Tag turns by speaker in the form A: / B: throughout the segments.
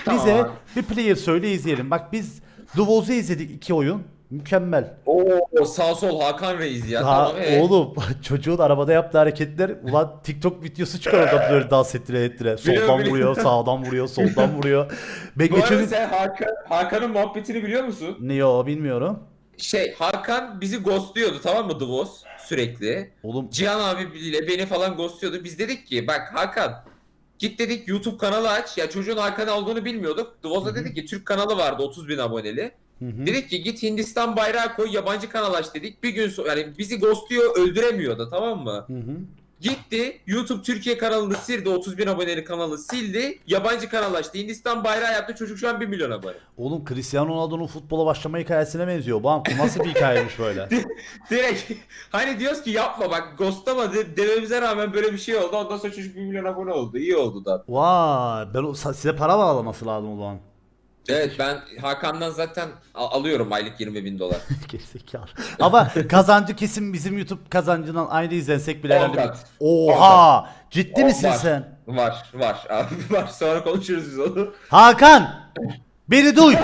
A: Tamam
B: Bize
A: abi.
B: bir player söyle izleyelim. Bak biz Duvoz'u izledik 2 oyun. Mükemmel.
A: Oo, sağ sol Hakan Reis ya.
B: Ha
A: Tamam
B: oğlum çocuğun arabada yaptığı hareketler ulan TikTok videosu çıkar oradan böyle dans ettire ettire. Soldan
A: Biliyorum.
B: vuruyor, sağdan vuruyor, soldan vuruyor. Ben
A: Bu arada
B: geçen
A: sen Hakan'ın muhabbetini biliyor musun?
B: ne o bilmiyorum.
A: Hakan bizi ghostluyordu, tamam mı, Divos sürekli.
B: Oğlum
A: Cihan abiyle beni falan ghostluyordu. Biz dedik ki bak Hakan, git dedik YouTube kanalı aç. Ya çocuğun Hakan olduğunu bilmiyorduk. Divos'a dedik ki Türk kanalı vardı 30 bin aboneli.
B: hı hı.
A: Dedik ki git Hindistan bayrağı koy, yabancı kanal aç dedik. Bir gün sonra yani bizi ghostluyor, öldüremiyor da, tamam mı?
B: Hı hı.
A: Gitti YouTube Türkiye kanalını sildi, 30 bin aboneli kanalı sildi. Yabancı kanal açtı. Hindistan bayrağı yaptı. Çocuk şu an 1 milyon abone.
B: Oğlum Cristiano Ronaldo'nun futbola başlama hikayesine benziyor. Bu nasıl bir hikayemiş böyle?
A: Direkt hani diyoruz ki yapma bak, ghostlama dememize rağmen böyle bir şey oldu. Ondan sonra çocuk 1 milyon abone oldu. İyi oldu da.
B: Vay size para bağlaması lazım o zaman.
A: Evet, ben Hakan'dan zaten alıyorum aylık 20 bin dolar.
B: Gerizekalı. Ama kazancı kesin bizim YouTube kazancından aynı izlensek bile
A: 10
B: herhalde.
A: kat.
B: Oha! Ciddi
A: O
B: misin
A: var.
B: sen?
A: Var abi, var. Sonra konuşuruz biz onu.
B: Hakan! Beni duy!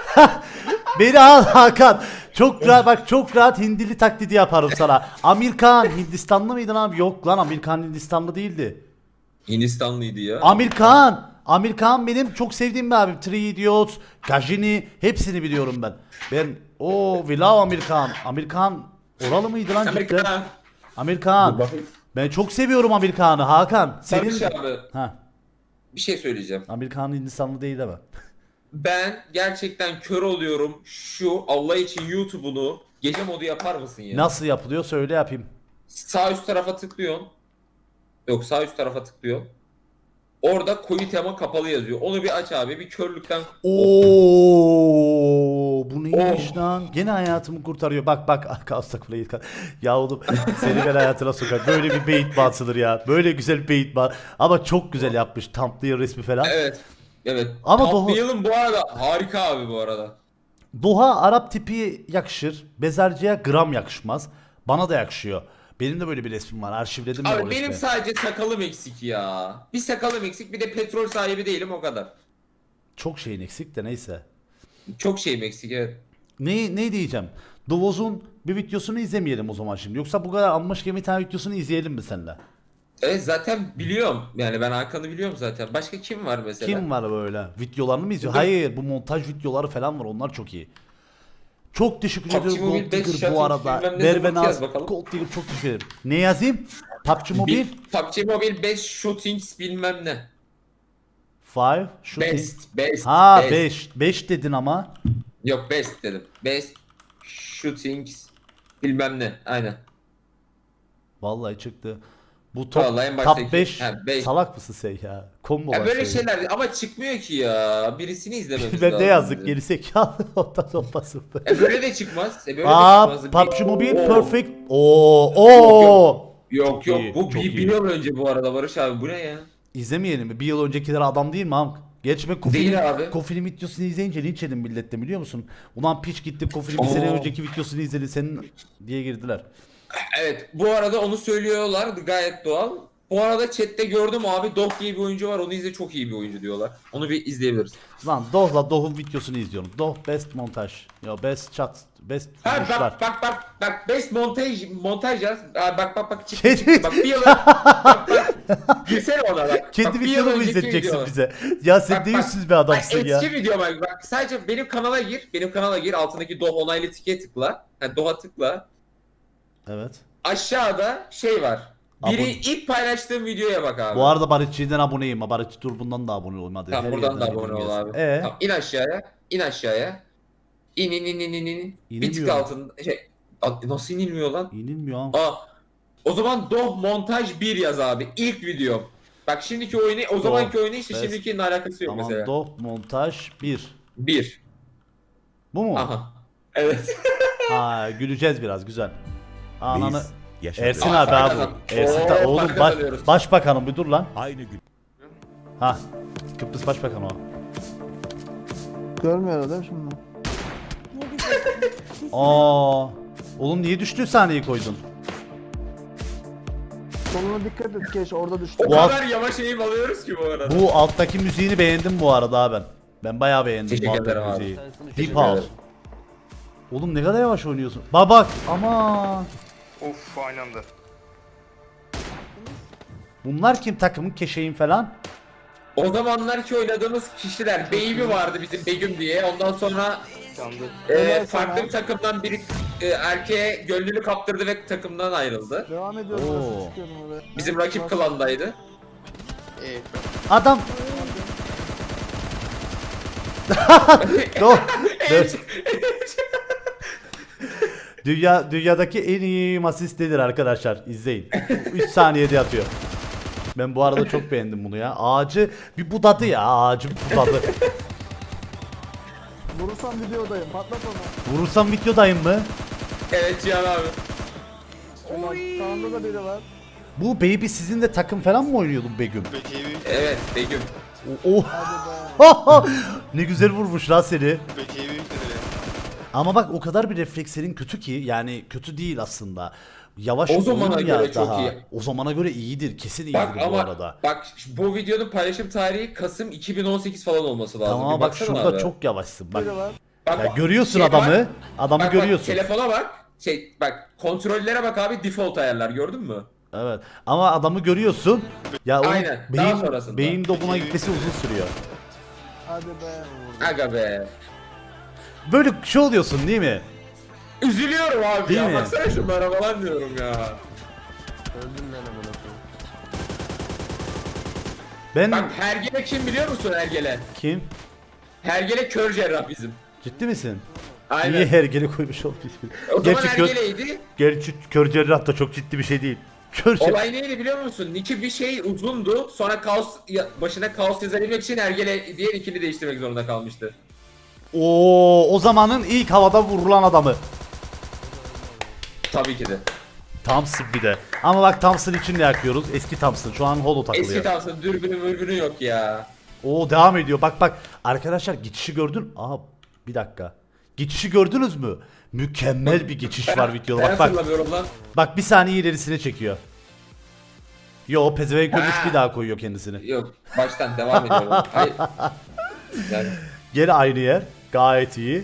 B: Beni al Hakan! Çok rahat bak, çok rahat Hindili taklidi yaparım sana. Amerikan Hindistanlı mıydın abi? Yok lan, Amerikan Hindistanlı değildi.
A: Hindistanlıydı ya.
B: Amerikan benim çok sevdiğim bir abim. Three Idiots, Gajini hepsini biliyorum ben. We love Amerikan oralı mıydı lan cidden?
A: Amerika.
B: Amerikan.
A: Dur bakayım.
B: Ben çok seviyorum Amerikan'ı Hakan.
A: Senin...
B: Senin
A: abi,
B: ha,
A: bir şey söyleyeceğim.
B: Amerikan Hindistanlı değil ama.
A: Ben gerçekten kör oluyorum. Şu Allah için YouTube'unu gece modu yapar mısın ya?
B: Nasıl yapılıyor söyle yapayım.
A: Sağ üst tarafa tıklıyorsun. Yok, sağ üst tarafa tıklıyorsun. Orada koyu tema kapalı yazıyor. Onu bir aç abi. Bir körlükten...
B: Bu neymiş lan? Gene hayatımı kurtarıyor. Bak kalsak burayı. Ya oğlum seni ben hayatına sokar. Böyle bir bait batılır ya. Böyle güzel bait bat. Ama çok güzel yapmış. Thumbnail resmi falan.
A: Evet. Evet.
B: Ama
A: Thumbnail'ın bu arada harika abi bu arada.
B: Doğa Arap tipi yakışır. Bezerciye gram yakışmaz. Bana da yakışıyor. Benim de böyle bir resmim var. Arşivledim ben o
A: Abi
B: resmi.
A: benim sadece sakalım eksik ya. Bir sakalım eksik, bir de petrol sahibi değilim, o kadar.
B: Çok şeyin eksik de neyse.
A: Çok şeyim eksik, evet.
B: Ne diyeceğim? Dovoz'un bir videosunu izlemeyelim o zaman şimdi. Yoksa bu kadar anmış gibi bir tane videosunu izleyelim mi seninle?
A: Evet, zaten biliyorum. Yani ben Hakan'ı biliyorum zaten. Başka kim var mesela?
B: Kim var böyle? Videolarını mı izliyor?
A: Dur.
B: Hayır, bu montaj videoları falan var. Onlar çok iyi. Çok teşekkür
A: PUBG
B: ediyorum
A: Mobile
B: Gold
A: 5
B: Digger bu
A: shuttle
B: arada.
A: bilmem ne
B: Merve
A: zaman yaz
B: Naz,
A: bakalım.
B: Gold Digger çok teşekkür ederim. Ne yazayım? PUBG Mobile
A: PUBG Mobile 5 shootings bilmem ne.
B: 5 shooting.
A: Best.
B: Ha
A: best.
B: 5. 5 dedin ama.
A: Yok, best dedim. Best shootings bilmem ne. Aynen.
B: Vallahi çıktı. Bu
A: Vallahi en
B: top
A: baştaki-
B: 5
A: Ha, beş.
B: salak mısın sen ya? Combo
A: Ya
B: var
A: böyle
B: senin.
A: şeyler ama çıkmıyor ki ya. Birisini izlememiz
B: Ben
A: lazım.
B: ne yazdık
A: bizim.
B: gerizekalı ondan olmasın.
A: Böyle de çıkmaz. Böyle de
B: Aa
A: çıkmaz.
B: PUBG Mobile
A: Oo.
B: Perfect. Oo.
A: Yok
B: Çok iyi,
A: bu
B: çok iyi.
A: bir yıl önce bu arada Barış abi, bu ne ya?
B: İzlemeyelim mi? Bir yıl öncekiler adam değil mi Hamk? Gerçi ben
A: Değil abi.
B: Kofil'in videosunu izleyince linç yedim millette biliyor musun? Ulan piç gitti Kofil'in bir sene
A: Oo.
B: önceki videosunu izledi senin diye girdiler.
A: Evet, bu arada onu söylüyorlar, gayet doğal. Bu arada chatte gördüm abi, Doh diye bir oyuncu var, onu izle, çok iyi bir oyuncu diyorlar. Onu bir izleyebiliriz.
B: Lan Doh'la Doh'un videosunu izliyorum. Doh best montaj. Ya best chat. Best
A: Ha
B: vuruşlar.
A: bak best montaj yaz. Ha, bak çıktı
B: Kedi-
A: çıktı. Bak bir yıl bak. Girsene ona bak.
B: Kendi
A: Bak, bir yıl
B: videonu mu
A: önceki
B: izleteceksin
A: video.
B: bize? Ya sen
A: Bak,
B: ne
A: bak.
B: yüzsüz bir adamsın ya.
A: Eski video bak sadece benim kanala gir. Benim kanala gir, altındaki Doh onaylı tike tıkla. Ha, Doh'a tıkla.
B: Evet.
A: Aşağıda şey var. Biri
B: Abone.
A: ilk paylaştığım videoya bak abi.
B: Bu arada Barışçı'dan aboneyim. Ha Barışçı dur bundan da abone olma hadi.
A: Tamam,
B: Her
A: buradan da
B: yerden
A: abone ol
B: bildirim
A: abi.
B: gelsin.
A: Tamam, in aşağıya. İn aşağıya. İn. Bir tık
B: İnemiyorum.
A: altında nasıl inilmiyor lan?
B: İnilmiyor ama.
A: Aa, o zaman Doh montaj 1 yaz abi. İlk videom. Bak şimdiki oyunu, o zamanki oyunu işte
B: best.
A: şimdikinin alakası yok
B: Tamam
A: mesela.
B: Doh montaj 1.
A: 1.
B: Bu mu?
A: Aha. Evet.
B: Ha güleceğiz biraz güzel. Ananı.
C: Biz yaşadık.
B: Ersin
A: Aa,
B: abi
A: para
B: abi.
A: kazan.
B: Ersin
A: Oo,
B: oğlum
A: para kazanıyoruz.
B: başbakanım bir dur lan.
C: Aynı gün.
B: Ha. Kıbrıs başbakanı o.
D: Görmüyor adam şimdi.
B: Aa. Oğlum niye düştüğü sahneyi koydun?
D: Sonuna dikkat et keş orada düştü.
A: O
B: Bu
A: kadar yavaş eğim alıyoruz ki bu arada.
B: Bu alttaki müziğini beğendim bu arada abi ben. Ben bayağı beğendim
A: Teşekkür
B: Muhabbet
A: ederim abi.
B: müziği.
A: Teşekkür
B: Deep House.
A: ederim.
B: Oğlum ne kadar yavaş oynuyorsun. Bak ama
C: Of aynı anda.
B: bunlar kim, takımın keşeğin falan?
A: O zamanlar ki oynadığımız kişiler Baby vardı bizim Begüm diye. Ondan sonra
C: Yandı.
A: farklı bir takımdan biri erkeğe gönlünü kaptırdı ve takımdan ayrıldı.
D: Devam ediyorum.
B: Oo.
D: Nasıl çıkıyorum oraya?
A: Bizim rakip klandaydı.
B: Adam Dur. Dur. Dünyadaki en iyi asistedir arkadaşlar. İzleyin. 3 saniyede atıyor. Ben bu arada çok beğendim bunu ya. Ağacı bir budadı ya. Ağacı bir budadı.
D: Vurursam videodayım. Patlat onu.
A: Vurursam
B: videodayım mı?
A: Evet Cihan abi.
D: Ulan sağında da biri var.
B: Bu Baby sizin de takım falan mı oynuyordun Begüm?
C: Bekevi.
A: Evet Begüm.
B: Oh.
D: Hadi be.
B: Ne güzel vurmuş lan seni.
C: Bekevi yükledi.
B: Ama bak o kadar bir reflekslerin kötü ki, yani kötü değil aslında. Yavaş
A: O zamana
B: oyun ya
A: göre çok
B: daha.
A: iyi.
B: O zamana göre iyidir. Kesin iyidir
A: Bak
B: bu
A: ama
B: arada.
A: bak bu videonun paylaşım tarihi Kasım 2018 falan olması lazım.
B: Tamam
A: Bir
B: bak
A: baksana
B: şurada
A: abi.
B: çok yavaşsın bak.
D: Biri var.
A: Bak,
B: Ya görüyorsun
A: şey
B: adamı.
A: bak,
B: Adamı
A: bak,
B: görüyorsun.
A: Telefona bak. Bak kontrollere bak abi, default ayarlar gördün mü?
B: Evet. Ama adamı görüyorsun. Ya o
A: Aynen, daha sonrasında.
B: beyin dobuna gitmesi uzun sürüyor.
D: Hadi be.
A: Aga be.
B: Böyle şey oluyorsun değil mi?
A: Üzülüyorum abi
B: Değil
A: ya.
B: mi?
A: Baksana şunlara falan diyorum ya.
B: Ben
A: Bak Hergele kim biliyor musun Hergele?
B: kim?
A: Hergele kör cerrah bizim.
B: Ciddi misin?
A: Aynen.
B: Niye hergele koymuş olmuş ismini?
A: O zaman
B: Gerçi kör,
A: Hergele'ydi.
B: gerçi kör cerrah da çok ciddi bir şey değil. Kör cerrah.
A: Olay neydi biliyor musun? Nick'i bir şey uzundu. Sonra başına kaos yazabilmek için Hergele diye nick'ini değiştirmek zorunda kalmıştı.
B: O zamanın ilk havada vurulan adamı.
A: Tabii ki de.
B: Thompson bir de. Ama bak Thompson için ne yakıyoruz? Eski Thompson. Şu an holo takılıyor.
A: Eski Thompson dürbünü mürbünü yok ya.
B: O devam ediyor. Bak bak. Arkadaşlar geçişi gördün. Aa bir dakika. Geçişi gördünüz mü? Mükemmel bir geçiş var videoda.
A: Ben
B: Bak bak.
A: hatırlamıyorum lan.
B: Bak bir saniye ilerisine çekiyor. Yo pezevenk olmuş,
A: Ha.
B: bir daha koyuyor kendisini.
A: Yok baştan devam ediyorum. Hayır. Yani
B: Geri aynı yer. Gayet iyi.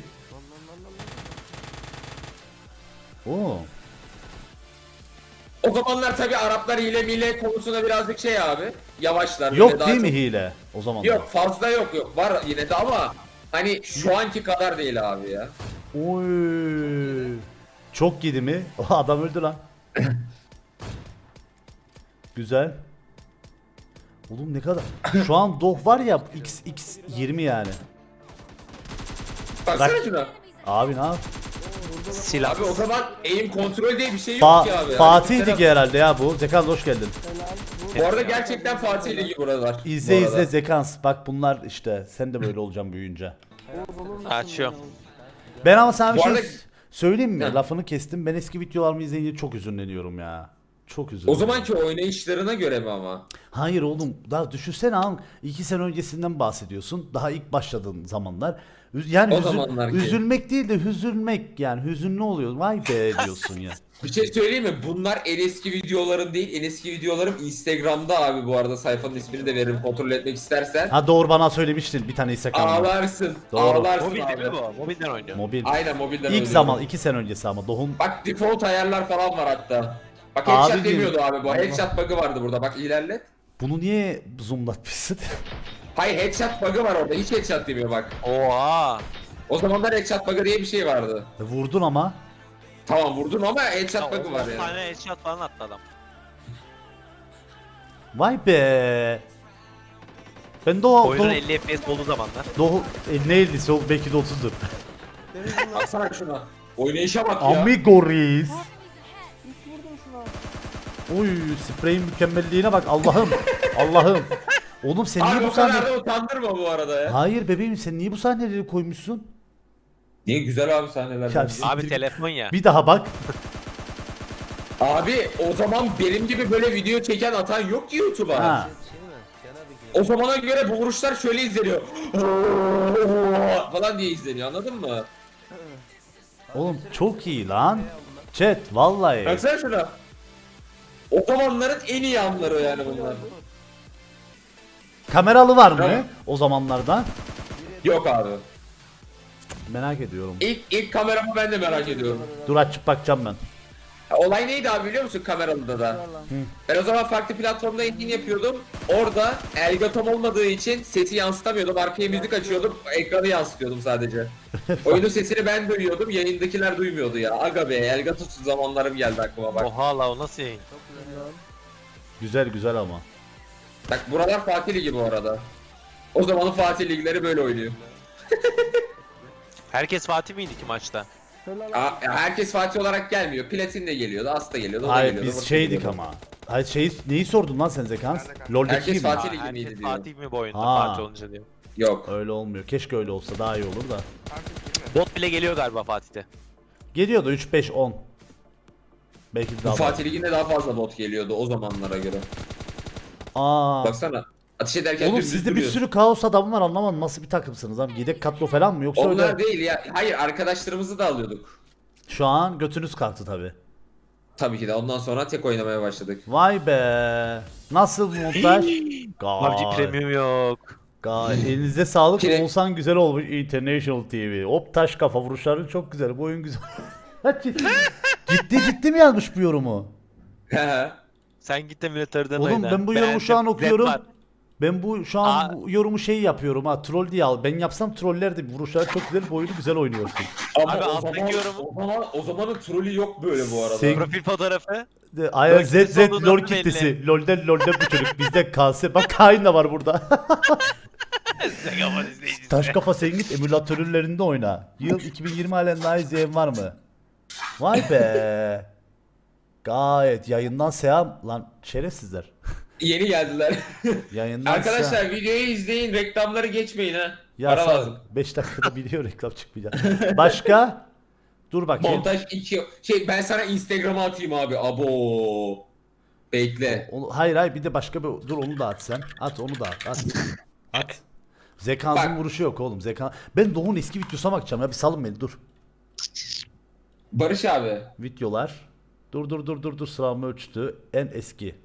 B: Oo.
A: o zamanlar tabii Araplar hile mile konusunda birazcık şey abi. Yavaşlar. böyle
B: Yok
A: daha
B: değil mi
A: çok-
B: hile o zaman?
A: Yok fazla yok. Var yine de ama hani şu anki kadar değil abi ya.
B: Oy. Çok yedi mi? O adam öldü lan. Güzel. Oğlum ne kadar. Şu an doh var ya x 20 yani.
A: Baksana
B: Bak.
A: şuna.
B: Abi ne yap?
E: Silah.
A: Abi o zaman aim kontrol diye bir şey yok ki abi. Yani
B: Fatih
A: mesela-
B: Ligi herhalde ya bu. Zekans hoş geldin.
D: Helal.
A: Bu arada gerçekten Fatih Ligi buralar.
B: İzle
A: bu arada.
B: izle Zekans. Bak bunlar işte. Sen de böyle olacaksın büyüyünce.
D: Olur musun
E: Açıyorum.
D: ya?
B: Ben ama sana bir
A: Bu
B: şey
A: arada-
B: söyleyeyim mi?
A: Heh.
B: Lafını kestim. Ben eski videolarımı izleyince çok üzünleniyorum ya. Çok üzülüyorum.
A: O zamanki oynayışlarına göre mi ama?
B: Hayır oğlum, daha düşünsene an 2 sene öncesinden bahsediyorsun. Daha ilk başladığın zamanlar. Yani
A: O zamanlar ki.
B: üzülmek değil de hüzünmek, yani hüzünlü oluyor. Vay be diyorsun ya.
A: Bir şey söyleyeyim mi? Bunlar en eski videolarım değil. En eski videolarım Instagram'da abi bu arada. Sayfanın ismini de veririm kontrol etmek istersen.
B: Ha doğru, bana söylemiştin bir tane Instagram'da.
A: Ağlarsın.
B: Doğru.
A: Ağlarsın
E: Mobil değil
A: abi.
E: mi bu? Mobilden oynuyor.
B: Mobil.
A: Aynen mobilden
B: İlk
A: oynuyorum.
B: zaman 2 sene öncesi ama Doğum.
A: Bak default ayarlar falan var hatta. Bak
B: Abi
A: headshot
B: diyorum.
A: demiyordu abi bu. Headshot bug'ı vardı burada. Bak ilerlet.
B: Bunu niye zoomlatmışsın?
A: Hayır headshot bug'ı var orada. Hiç headshot demiyor bak.
E: Oha.
A: O zamanlar headshot bug'ı diye bir şey vardı.
B: Vurdun ama.
A: Tamam vurdun ama headshot
E: Ya,
A: bug'ı var
E: 10
A: yani.
E: tane headshot falan attı adam.
B: Vay be. Ben Doğu
E: Oyunun 50 FPS olduğu zamanlar.
B: ne 50'si o belki de 30'dur.
D: Denizin lan.
A: Baksana şuna. Oynayışa bak ya.
B: Amigo reis.
D: Hiç vurdum şuna.
B: Oy spreyin mükemmelliğine bak Allah'ım. Allah'ım. Oğlum sen niye
A: Abi
B: bu
A: o kadar
B: sahne...
A: da utandırma bu arada ya.
B: Hayır bebeğim, sen niye bu sahneleri koymuşsun?
A: Niye güzel abi sahneler.
B: Ya,
A: bence.
B: Siktir
E: Abi
B: git.
E: telefon ya.
B: Bir daha bak.
A: Abi o zaman benim gibi böyle video çeken atan yok ki YouTube'a.
B: Ha.
A: O zamana göre bu vuruşlar şöyle izleniyor. falan diye izleniyor anladın mı?
B: Oğlum çok iyi lan. Chat vallahi.
A: Baksana şuna. O zamanların en iyi anları yani bunlar.
B: Kameralı var mı
A: Tamam.
B: o zamanlardan?
A: Yok abi.
B: Merak ediyorum.
A: İlk kameramı ben de merak ediyorum.
B: Dur açıp bakacağım ben.
A: Olay neydi abi biliyor musun kameralıda da? Ben o zaman farklı platformda yayın yapıyordum. Orada Elgatom olmadığı için sesi yansıtamıyordum. Arkaya müzik açıyordum. Ekranı yansıtıyordum sadece. Oyunun sesini ben duyuyordum. Yayındakiler duymuyordu ya. Aga be Elgatom'suz zamanlarım geldi aklıma bak.
E: Oha la o nasıl yayın?
B: Güzel güzel ama.
A: Bak buralar Fatih Ligi bu arada. O zamanın Fatih Ligleri böyle oynuyor.
E: Herkes Fatih miydi ki maçta?
D: Helal
A: Herkes Fatih olarak gelmiyor. Platin de geliyordu, As da geliyordu, o da
B: Hayır
A: geliyordu.
B: biz
A: Burası
B: şeydik
A: geliyordu.
B: ama. Hayır neyi sordun lan sen Zekans? LoL'deki
A: Herkes
B: gibi mi?
A: Fatih Ligi
E: Herkes
A: miydi diyor.
E: Fatih mi bu oyunda
B: Ha.
E: Fatih olunca diyor.
A: Yok.
B: Öyle olmuyor. Keşke öyle olsa daha iyi olur da.
E: Bot bile geliyor galiba Fatih'te.
B: Geliyordu 3 5 10. Belki de
A: Bu
B: daha
A: Fatih Ligi'nde daha fazla bot geliyordu o zamanlara göre.
B: Aa.
A: Baksana. Ateş ederken
B: Oğlum
A: dümdüz
B: sizde bir
A: duruyorsun.
B: sürü kaos adamı var anlamadım nasıl bir takımsınız abi? Yedek kadro falan mı yoksa
A: Onlar
B: öyle?
A: değil ya. Hayır arkadaşlarımızı da alıyorduk.
B: Şu an götünüz kalktı tabi.
A: Tabii ki de ondan sonra tek oynamaya başladık.
B: Vay be. Nasıl montaj?
E: PUBG Premium yok.
B: Elinize sağlık.
A: Pre-
B: Olsan güzel olmuş International TV. Hop taş kafa vuruşların çok güzel. Bu oyun güzel. ciddi mi yazmış bu yorumu?
E: Sen git de militörden
B: Oğlum
E: oyna.
B: ben bu yorumu şu an
E: Beğendim.
B: okuyorum.
E: Red var.
B: Ben şu an bu yorumu yapıyorum ha troll diye al. Ben yapsam trollerdi. Vuruşlar çok güzel. Bu oyunu güzel oynuyorsun.
A: Ama
E: Abi
A: o
E: alttaki
A: zaman,
E: yorumu-
A: o zamanın trolü yok böyle bu arada.
B: Sen-
E: Profil fotoğrafı.
B: Aynen
E: LoL
B: Z
E: kitlesi olduğu
B: LoL
E: da belli.
B: kitlesi. LoL'den bu çocuk. Bizde KS. Bak Kain de var burada.
E: Zegaman izleyicisi.
B: Taş kafa sen git emülatörlerinde oyna. Yıl 2020 halen daha izleyen var mı? Vay be. Gayet yayından selam lan şerefsizler.
A: Yeni geldiler.
B: Yayından
A: Arkadaşlar videoyu izleyin, reklamları geçmeyin ha.
B: Ya
A: Para
B: sağ-
A: lazım.
B: 5 dakikada biliyor reklam çıkmayacak. Başka? Dur bakayım.
A: Montaj 2. Ben sana Instagram'a atayım abi. Abo. Bekle.
B: Hayır bir de başka bir dur onu da at sen. At onu da at. At. Zekansın
A: Bak.
B: vuruşu yok oğlum. Ben Doğu'nun eski videosuna bakacağım ya bir salın beni dur.
A: Barış abi.
B: Videolar. Dur sıramı ölçtü. En eski.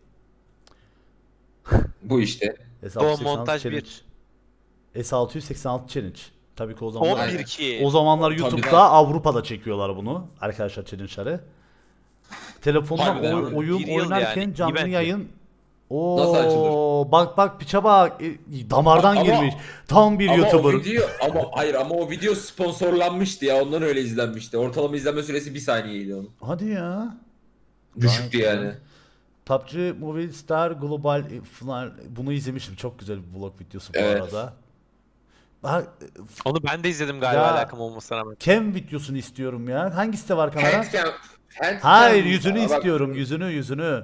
A: Bu işte.
B: S686
E: montaj
B: challenge.
E: 1.
B: S686 challenge. Tabii ki o zamanlar.
E: 11 ki.
B: O zamanlar
A: Tabii
B: YouTube'da
A: lan.
B: Avrupa'da çekiyorlar bunu. Arkadaşlar challenge'ları. Telefondan
A: Harbiden mi?
B: oyun
E: Bir yıl
B: oynarken
E: yani,
B: canlı
E: event.
B: yayın.
A: Nasıl açılır?
B: Bak piça bak. Damardan
A: Ama-
B: girmiş. Tam bir
A: Ama
B: YouTuber.
A: o video ama o video sponsorlanmıştı ya. Ondan öyle izlenmişti. Ortalama izlenme süresi 1 saniyeydi onun.
B: Hadi ya.
A: Düşüktü
B: Gayet
A: yani.
B: PUBG Mobile Star Global falan bunu izlemiştim. Çok güzel bir vlog videosu bu
A: Evet.
B: arada. Ha,
E: Onu ben de izledim galiba
B: Ya.
E: alakam olmasına rağmen.
B: Cam videosunu istiyorum ya. Hangisi de var kanala?
A: Handcam
B: Hayır yüzünü
A: Bak,
B: istiyorum. Yüzünü.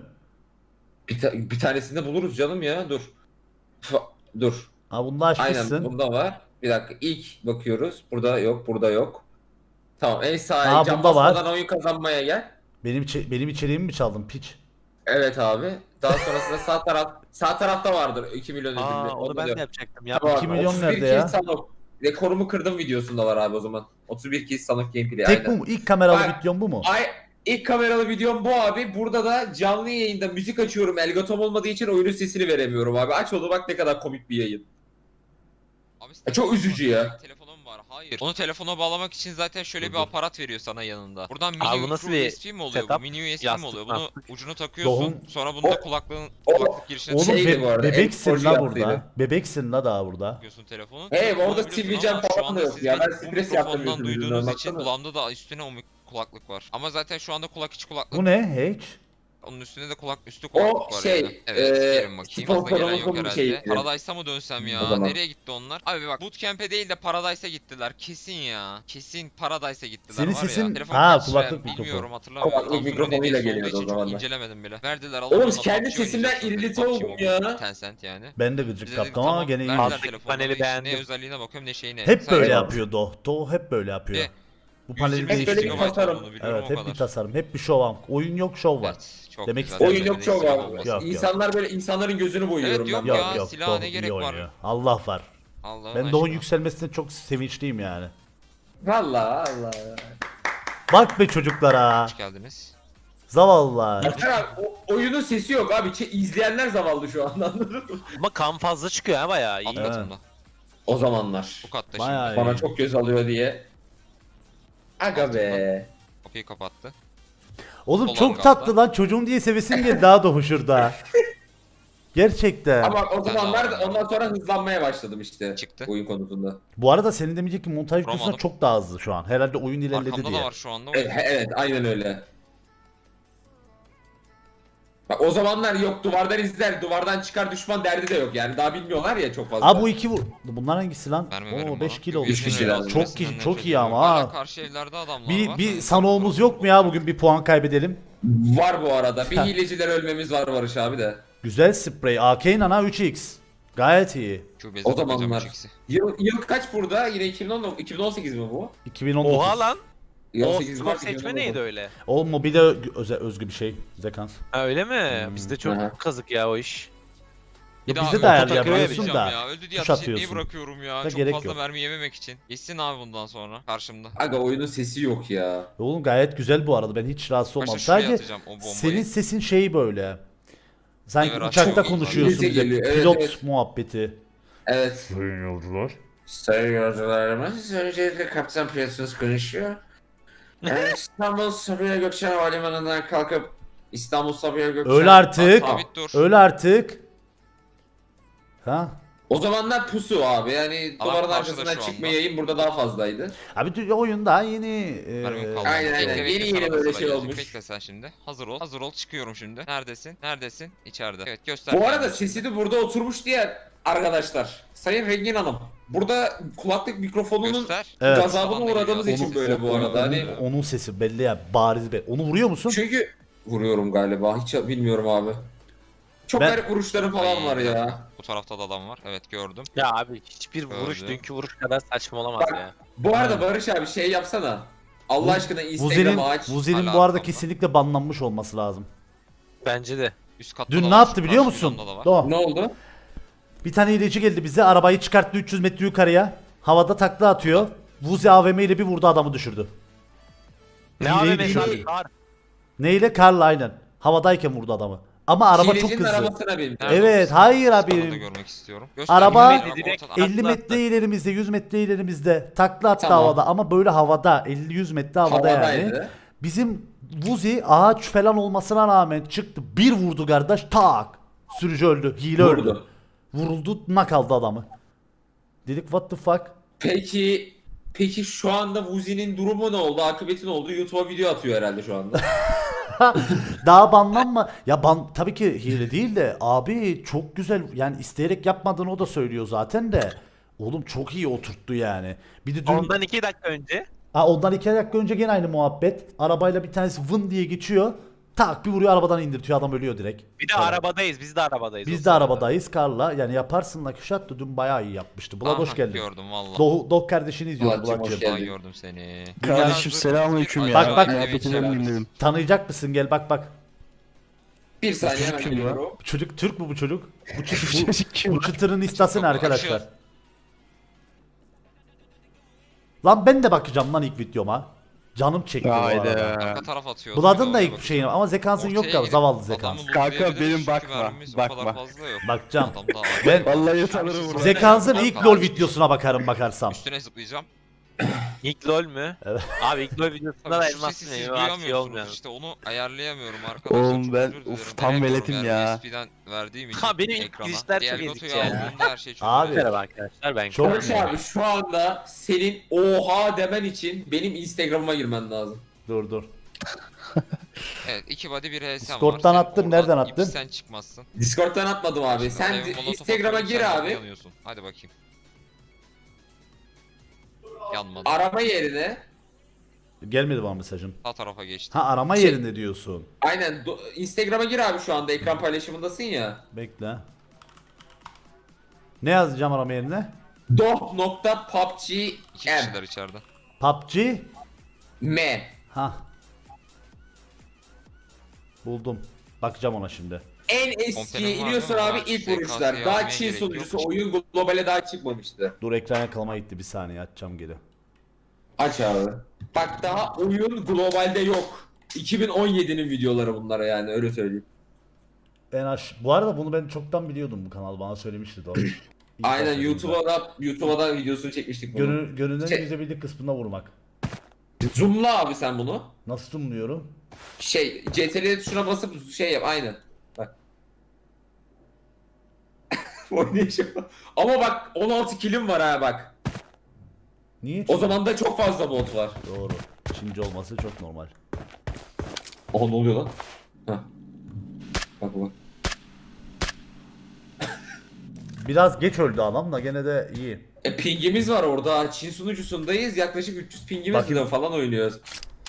A: Bir tanesini de buluruz canım ya. Dur. Dur.
B: Ha bunu da açmışsın.
A: Aynen bunda var. Bir dakika ilk bakıyoruz. Burada yok, burada yok. Tamam en
B: Ha,
A: sağa cam
B: bunda var.
A: basmadan oyun kazanmaya gel.
B: Benim içeriğimi mi çaldın piç?
A: Evet abi. Daha sonrasında sağ tarafta vardır 2 milyon ödüllü.
E: Aa onu
A: Onda
E: ben
A: da
E: de
A: yok.
E: yapacaktım. Ya.
A: Var,
B: 2 milyon
A: 31
B: nerede
A: kill
B: ya?
A: Sanok. Rekorumu kırdım videosunda var abi o zaman. 31 kill Sanok gameplay
B: Tek bu
A: aynen.
B: mu? İlk kameralı
A: Bak-
B: videom bu mu?
A: İlk kameralı videom bu abi. Burada da canlı yayında müzik açıyorum. Elgatom olmadığı için oyunun sesini veremiyorum abi. Aç onu bak ne kadar komik bir yayın.
F: Abi
A: Çok üzücü ya.
F: Telefonum var. Hayır. Onu telefona bağlamak için zaten şöyle bir aparat veriyor sana yanında. Buradan
E: Abi
F: mini
E: bu nasıl
F: micro
E: bir
F: USB mi oluyor?
E: setup?
F: Bu mini USB mi
E: Yastık
F: oluyor?
E: mı?
F: Bunu ucuna takıyorsun.
B: Doğum-
F: Sonra bunu da
A: O-
F: kulaklık girişine
B: Oğlum
A: Şeydi bu arada,
B: bebeksin
A: en
B: la
A: sporcu
B: burada.
A: yaptıydı.
B: Bebeksin la daha burada.
F: takıyorsun telefonu.
A: Hey,
F: Telefonu
A: orada
F: alabiliyorsun
A: Steve Jam
F: ama şu
A: falan da
F: anda
A: yok
F: siz
A: ya. Ben
F: bu
A: stres yaptım
F: mikrofondan
A: yüzümden,
F: duyduğunuz için
A: baksana.
F: kulağımda da üstüne o kulaklık var. Ama zaten şu anda kulak içi kulaklık.
B: Bu ne? Hiç.
F: Onun üstünde de üstü kulaklık var
A: şey,
F: yani. Evet, gelin bakayım. Fazla gelen yok
A: sponsorumuzun bir
F: herhalde.
A: şeyiydi.
F: Paradise'a mı dönsem
A: O
F: ya?
A: zaman.
F: Nereye gitti onlar? Abi bak Bootcamp'e değil de Paradise'a gittiler. Kesin ya. Kesin Paradise'a gittiler
B: Senin
F: var ya.
B: sesin-
F: Telefon
B: Ha,
F: kaç
B: kulaklık
F: lira
B: mikrofon.
F: bilmiyorum hatırlamıyorum.
A: Kulaklık
F: Samsung'un
A: mikrofonuyla
F: hediyesi olduğu
A: geliyordu o
F: için çok
A: zamanlar.
F: incelemedim bile. Verdiler
A: Oğlum
F: Allah'ım,
A: kendi
F: PUBG
A: sesimden
F: oynayacağız dedi.
A: irrite
F: PUBG
A: oldum
F: Mobile.
A: ya.
F: Tencent yani.
B: Ben de
F: Biz
B: gıcık
F: dedik,
B: kaptım ama
F: tamam,
B: gene iyi.
F: verdiler
E: Alttaki
F: telefonları,
E: paneli
F: işte
E: beğendim.
F: Ne özelliğine bakıyorum ne şeyine.
B: Hep böyle
F: Sadece-
B: yapıyor Doğu hep böyle yapıyor.
F: Ve
B: Bu paneli
F: 128
A: Hep böyle bir
B: değiştiriyor.
F: GB
A: tasarım.
F: olduğunu biliyorum,
B: Evet
F: o
B: hep
F: kadar.
B: bir tasarım. Hep bir şov var. Oyun yok şov var.
F: Evet, çok
B: Demek
F: güzel.
B: istedim.
A: Oyun yok çok
F: Ekstra
A: var.
F: olması.
B: Yok.
A: İnsanlar böyle insanların gözünü boyuyorum
F: Evet, yok
A: ben.
F: ya.
B: Yok
F: silaha
B: Doğu
F: ne
B: iyi
F: gerek var?
B: oynuyor. Allah var.
F: Allah'ın
B: Ben Doğu'nun
F: aşkına.
B: yükselmesine çok sevinçliyim yani.
A: Vallahi Allah.
B: Bak be çocuklara.
F: Hoş geldiniz.
B: Zavallılar.
A: Baksana abi, oyunun sesi yok abi. İzleyenler zavallı şu anda anladın mı?
E: Ama kan fazla çıkıyor ha bayağı iyi.
F: Alt
B: Evet.
F: katında.
A: O zamanlar.
F: Bu katta
B: Bayağı
F: şimdi.
B: iyi.
A: Bana çok göz alıyor diye. Aga be.
F: Kapıyı kapattı.
B: Oğlum
F: Olan
B: çok
F: galiba.
B: tatlı lan, çocuğum diye sevesim geldi daha da şurada. Gerçekten.
A: Ama o
F: Sen
A: zamanlar
F: daha-
A: ondan sonra hızlanmaya başladım işte.
F: Çıktı.
A: Oyun konusunda.
B: Bu arada senin demeyecek ki montaj videosuna
F: Vuramadım.
B: çok daha hızlı şu an. Herhalde oyun ilerledi
F: Arkamda
B: diye.
F: da var şu anda.
A: Evet, evet aynen öyle. Bak o zamanlar yok duvardan izler, duvardan çıkar düşman derdi de yok yani daha bilmiyorlar ya çok fazla.
B: Aa bu iki vur. Bunlar hangisi lan?
F: Verme
B: Oo 5
F: bana.
B: kilo oldu.
A: Üç kişi lazım.
B: Çok iyi, çok iyi ama
F: Hala
B: ha.
F: karşı evlerde adamlar var.
B: Bir sanoğumuz yok mu ya bugün bir puan kaybedelim?
A: Var bu arada. Bir hileciler ölmemiz var Barış abi de.
B: Güzel sprey. AK Nana 3x. Gayet iyi.
F: Kübezi
A: O zamanlar.
F: ikisi.
A: Yıl kaç burada? Yine 2018 mi bu?
B: 2019.
E: Oha lan. O
A: 2018
E: skor
A: var,
E: seçme
A: 2019.
E: neydi öyle?
B: O mobile özgü bir şey. Zekans.
E: Ha öyle mi? Bizde çok
A: Aha.
E: kazık ya o iş.
B: Ya
F: Bir
B: bizde
F: daha
B: de
F: öldü
B: ayarlayabiliyorsun
F: takıyor
B: da.
F: ya. Öldü diye
B: tuş
F: ateş etmeyi
B: atıyorsun.
F: bırakıyorum ya.
B: Da
F: Çok
B: gerek
F: fazla
B: yok.
F: mermi yememek için. Geçsin abi bundan sonra karşımda.
A: Aga oyunun sesi yok ya.
B: Oğlum gayet güzel bu arada. Ben hiç rahatsız olmam.
F: Başta şuraya
B: Sadece
F: atacağım o bombayı.
B: senin sesin şeyi böyle. Sanki
F: Evet,
B: uçakta
F: çok iyi.
B: konuşuyorsun
A: İngilizce
B: bize.
A: geliyor, evet,
B: Pilot
A: evet.
B: muhabbeti.
A: Evet.
B: Sayın yolcular.
A: Sayın yolcularımız, öncelikle kaptan pilotunuz konuşuyor. İstanbul Sabiha Gökçen Havalimanı'ndan kalkıp İstanbul Sabiha Gökçen...
B: Öyle artık.
F: Sabit dur.
B: Öyle artık. Ha?
A: O zamanlar pusu abi yani
F: Adam
A: duvarın
F: karşıda
A: arkasından
F: şu anda.
A: çıkmayayım burada daha fazlaydı.
B: Abi oyun daha yeni.
F: Mermim kaldı.
A: Aynen,
F: Bekle,
A: aynen.
F: bekle,
A: Yeni
F: sana
A: yeni
F: da
A: böyle
F: sıra
A: şey
F: gelecek.
A: olmuş.
F: Bekle sen şimdi. Hazır ol. Hazır ol. Çıkıyorum şimdi. Neredesin? Neredesin? İçeride. Evet göster.
A: Bu arada
F: kendini.
A: sesi de burada oturmuş diye arkadaşlar. Sayın Rengin Hanım. Burada kulaklık mikrofonunun
F: Göster.
B: Evet.
A: gazabına uğradığımız için böyle bu arada. Hani
B: Onun sesi belli ya, bariz belli. Onu vuruyor musun?
A: çünkü vuruyorum galiba. Hiç bilmiyorum abi. Çok
B: Ben-
A: garip vuruşlarım falan var ya.
F: Bu tarafta da adam var. Evet gördüm.
E: Ya abi hiçbir vuruş
F: Öldü.
E: dünkü vuruş kadar saçma olamaz
A: Bak,
E: ya.
A: Bu arada Barış abi şey yapsana. Allah aşkına
B: Vuzi'nin
A: Instagram'ı aç.
B: Vuzi'nin
F: Hala
B: bu arada
F: arkamda.
B: kesinlikle banlanmış olması lazım.
E: Bence de.
F: Üst katta
B: Dün
F: da
B: ne
F: var,
B: yaptı biliyor
F: karşı
B: musun?
F: camda da var.
B: Do.
A: Ne oldu?
B: Bir tane hileci geldi bize, arabayı çıkarttı 300 metre yukarıya. Havada takla atıyor. Vuzi AVM ile bir vurdu, adamı düşürdü.
E: Ne
B: Hileyi
E: abi
B: düşürdü.
E: mesela kar.
B: Neyle? Karla aynen. Havadayken vurdu adamı. Ama araba çok
A: Hilecinin
B: hızlı.
A: arabasına bin.
F: Nerede
B: Evet,
F: o?
B: hayır
F: Onu da
B: abi.
F: görmek istiyorum.
B: Araba
E: 50 metre direkt
F: ortada.
B: 50
E: Takla
B: metre
E: attı.
B: ilerimizde, 100 metre ilerimizde. Takla attı
A: Tamam.
B: havada, ama böyle havada. 50-100 metre havada yani.
A: Havadaydı.
B: Bizim Vuzi ağaç falan olmasına rağmen çıktı. Bir vurdu kardeş, tak. Sürücü öldü. Hile öldü.
A: Vurdu.
B: Vuruldu, nak aldı adamı. Dedik what the fuck.
A: Peki şu anda Vuzi'nin durumu ne oldu? Akıbeti ne oldu? YouTube'a video atıyor herhalde şu anda.
B: Daha banlanma. Ya tabii ki hile değil de abi çok güzel, yani isteyerek yapmadığını o da söylüyor zaten de. Oğlum çok iyi oturttu yani. Bir de dün
E: Ondan 2 dakika önce.
B: ondan 2 dakika önce gene aynı muhabbet. Arabayla bir tanesi vın diye geçiyor. Tak bir vuruyor, arabadan indirtiyor, adam ölüyor direkt.
E: Bir de
B: Evet.
E: arabadayız. Biz de arabadayız.
B: Biz
E: o
B: de
E: sırada.
B: arabadayız Karla. Yani yaparsın da Kuşat da dün bayağı iyi yapmıştı. Bulat hoş
F: Aha,
B: geldin.
F: Gördüm valla.
B: Dog kardeşini izliyoruz
A: Bulat'cığım, hoş
B: Bulat'cığım.
A: geldin.
F: Vallahi gördüm seni.
G: Kardeşim selamünaleyküm ya.
B: Bak, bak.
G: Muhabbeti dönmeyeyim dedim.
B: Tanıyacak mısın, gel bak bak.
A: Bir saniye hemen
G: Çocuk kim ya?
A: geliyorum.
B: Bu çocuk Türk mü bu çocuk? Bu çocuk
G: Çocuk kim?
B: bu çıtırın istası ne
F: Çok
B: arkadaşlar?
F: bakışıyor.
B: Lan ben de bakacağım lan ilk videoma. Canım çekti bu
G: Haydi.
B: arada.
F: Arka taraf atıyordu.
B: Bulad'ın
F: Bir
B: da
F: de
B: ilk
F: oraya
B: şeyini, ama zekansın yok
F: Ortaya
B: ya,
F: gidip
B: zavallı
F: adamı
B: zekans.
F: lootlayabiliriz
G: Kanka, benim
F: çünkü
G: bakma,
F: mermimiz o kadar
G: bakma.
F: fazla yok.
B: Bakacağım.
F: Adam daha
B: Ben
G: Vallahi utanırım burada.
B: zekansın ilk LoL videosuna bakarım bakarsam.
F: Üstüne zıplayacağım.
E: İlk lol mü?
B: Evet.
E: Abi ilk lol videosunda da
F: Tabii şu
E: elmas
F: sesi
E: ne?
F: siz
E: Yok, şey
F: duyamıyorsunuz
E: olmuyor.
F: işte onu ayarlayamıyorum arkadaşlar.
G: Oğlum
F: çok
G: ben-
F: özür dilerim.
G: uf, tam
F: Denemiyorum
G: veletim
F: yani
G: ya.
F: USB'den verdiğim için
E: Ha, benim ilk
F: ekrana.
E: girişler çok
F: Elgato'yu
E: ezik ya.
F: aldığımda her şey çok
B: Abi.
F: güzel.
E: Merhaba arkadaşlar ben
B: Çok-
A: Barış abi şu anda senin oha demen için benim Instagram'ıma girmen lazım.
B: Dur.
F: Evet 2 body 1 HSM var.
B: Discord'dan
F: Sen
B: attın,
F: oradan
B: nereden attın?
F: Sen çıkmazsın.
A: Discord'dan atmadım abi. Sen
F: Ev molotof
A: Instagram'a
F: atıyorum,
A: gir
F: sen
A: abi.
F: yanıyorsun. Hadi bakayım. Yanmadı.
A: Arama yerine
B: Gelmedi bana mesajın.
F: Sağ tarafa geçti.
B: Ha, arama
A: Şey-
B: yerinde diyorsun.
A: aynen Instagram'a gir abi şu anda ekran paylaşımındasın ya.
B: Bekle. Ne yazacağım arama yerine?
A: doh.pubg
F: 2 kişiler içeride.
B: PUBG.
A: m.
B: Ha. Buldum. Bakacağım ona şimdi.
A: En eskiye
F: Kompenim var
A: iniyorsun
F: değil mi?
A: abi
F: Ha,
A: ilk
F: SKS'ye
A: vuruşlar. Daha
F: almaya
A: Çin
F: gerek
A: sunucusu
F: yok.
A: oyun globale daha çıkmamıştı.
B: Dur, ekran yakalama gitti, bir saniye açacağım geri.
A: Aç abi. Bak daha oyun globalde yok. 2017'nin videoları bunlara yani öyle söyleyeyim.
B: Bu arada bunu ben çoktan biliyordum, bu kanal bana söylemişti doğru.
A: Aynen
B: başladığında.
A: YouTube'a da videosunu çekmiştik bunu.
B: Görünen
A: Şey-
B: yüzebilirlik kısmına vurmak.
A: Zoomla abi sen bunu.
B: Nasıl zoomluyorum?
A: CTRL tuşuna basıp şey yap aynen. Bak. Oynayışım. Ama bak 16 kilim var ha bak.
B: Niye?
A: O zaman da çok fazla bot var.
B: Doğru. Çinci olması çok normal.
A: Oha ne oluyor lan? Hah. Bak bak.
B: Biraz geç öldü adam da gene de iyi.
A: Pingimiz var orada. Çin sunucusundayız. Yaklaşık 300 pingimiz
B: Bakayım.
A: falan oynuyoruz.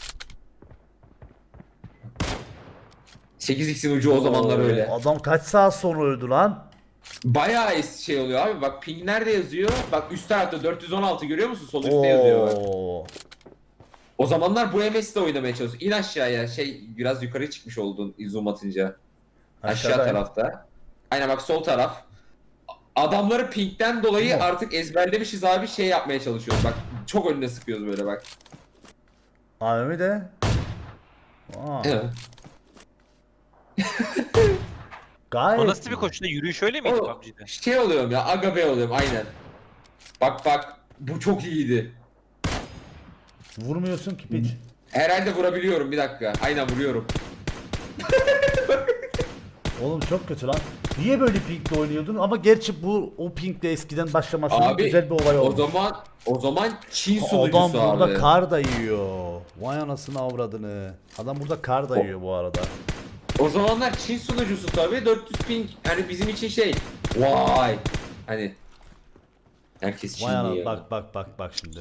A: 8x'in ucu o zamanlar öyle.
B: Adam kaç saat sonra öldü lan?
A: Bayağı şey oluyor abi. Bak ping nerede yazıyor? Bak üst tarafta 416 görüyor musun? Sol üstte yazıyor bak.
B: Oo.
A: O zamanlar bu MS'de oynamaya çalışıyor. İn aşağıya. Biraz yukarı çıkmış oldun zoom atınca. Aşağı
B: Aşağıdayım.
A: tarafta. Aynen bak sol taraf. Adamları pingden dolayı
B: Tamam.
A: artık ezberlemişiz abi şey yapmaya çalışıyoruz. Bak çok önüne sıkıyoruz böyle bak.
B: AVM de. Aa.
A: Evet.
B: Gayet.
E: O nasıl bir koşuda? Yürüyüş öyle miydi
A: O
E: PUBG'de?
A: şey oluyorum ya aga be oluyorum aynen. Bak bu çok iyiydi.
B: Vurmuyorsun ki piç.
A: Herhalde vurabiliyorum bir dakika. Aynen vuruyorum.
B: Oğlum çok kötü lan. Niye böyle pinkle oynuyordun? Ama gerçi bu o pinkle eskiden başlamasının
A: Abi
B: güzel bir olay
A: o
B: oldu.
A: zaman Çin
B: Adam
A: sunucusu
B: burada
A: abi.
B: kar da yiyor. Vay anasını avradını. Adam burada kar da yiyor bu arada.
A: O zamanlar Çin sunucusu tabii 400 ping hani bizim için şey. Vay. Hani herkes
B: Vay ana
A: Çinli ya.
B: bak şimdi.